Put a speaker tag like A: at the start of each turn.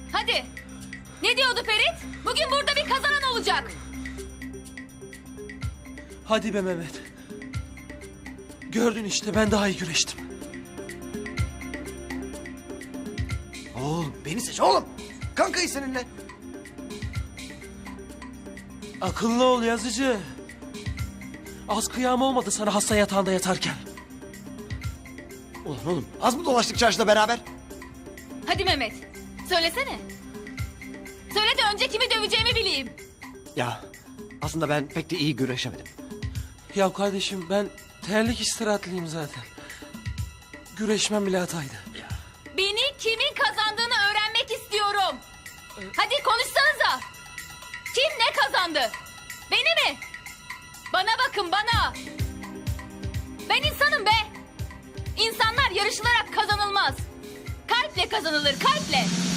A: Hadi. Ne diyordu Ferit? Bugün burada bir kazanan olacak.
B: Hadi be Mehmet. Gördün işte, ben daha iyi güreştim.
C: Oğlum beni seç oğlum. Kankayı seninle.
B: Akıllı ol Yazıcı. Az kıyam olmadı sana hasta yatağında yatarken.
C: Ulan oğlum az mı dolaştık çarşıda beraber?
A: Hadi Mehmet. Söylesene. Söyle de önce kimi döveceğimi bileyim.
C: Ya aslında ben pek de iyi güreşemedim.
B: Ya kardeşim, ben terlik istirahatliyim zaten. Güreşmem bile hataydı.
A: Beni kimin kazandığını öğrenmek istiyorum. Hadi konuşsanıza. Kim ne kazandı? Beni mi? Bana bakın bana. Ben insanım be. İnsanlar yarışılarak kazanılmaz. Kalple kazanılır, kalple.